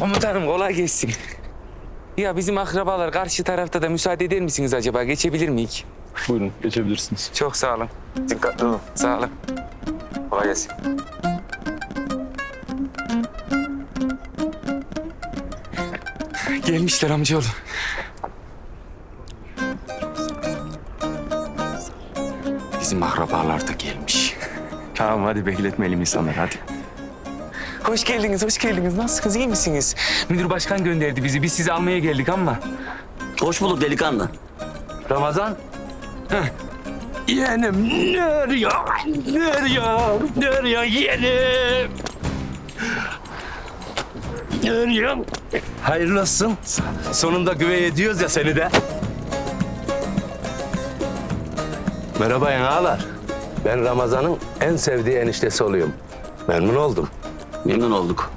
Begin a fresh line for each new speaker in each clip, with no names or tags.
Komutanım kolay gelsin. Ya bizim akrabalar karşı tarafta da müsaade eder misiniz acaba? Geçebilir miyiz?
Buyurun, geçebilirsiniz.
Çok sağ olun. Dikkatli olun. Sağ olun. Kolay gelsin. Gelmişler amcaoğlu. Bizim akrabalar da gelmiş.
Tamam, hadi bekletmeyelim insanları, hadi.
Hoş geldiniz, hoş geldiniz. Nasılsınız, iyi misiniz? Müdür başkan gönderdi bizi. Biz sizi almaya geldik ama.
Hoş bulduk delikanlı.
Ramazan. Yeğenim, nereye? Nereye yeğenim? Nereye? Hayırlı olsun. Sonunda güvey ediyoruz ya seni de.
Merhaba ağalar. Ben Ramazan'ın en sevdiği eniştesi oluyorum. Memnun oldum.
Memnun olduk.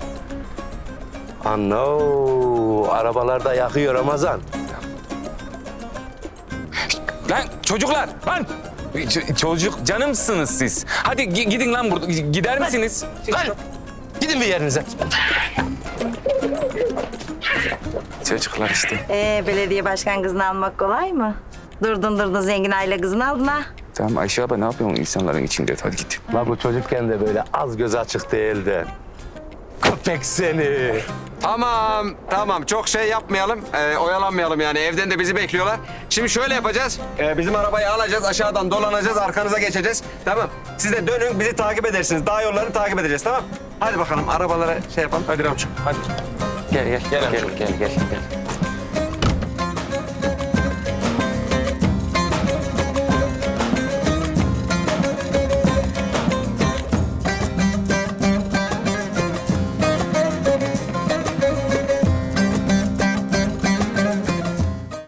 Anno, arabalarda yakıyor Ramazan.
Lan çocuklar, lan! Çocuk canımsınız siz. Hadi gidin lan burada. Gider misiniz?
Lan, gidin bir yerinize.
Çocuklar işte.
Belediye başkan kızını almak kolay mı? Durdun zengin aile kızını aldın ha.
Tamam Ayşe abla ne yapıyorsun insanların içinde? Hadi git.
La bu çocukken de böyle az göz açık değildi. Köpek seni.
Tamam. Çok şey yapmayalım, oyalanmayalım yani. Evden de bizi bekliyorlar. Şimdi şöyle yapacağız. Bizim arabayı alacağız, aşağıdan dolanacağız, arkanıza geçeceğiz. Tamam. Siz de dönün, bizi takip edersiniz. Dağ yollarını takip edeceğiz, tamam? Hadi bakalım, arabalara şey yapalım.
Hadi Ramçım, hadi. Gel.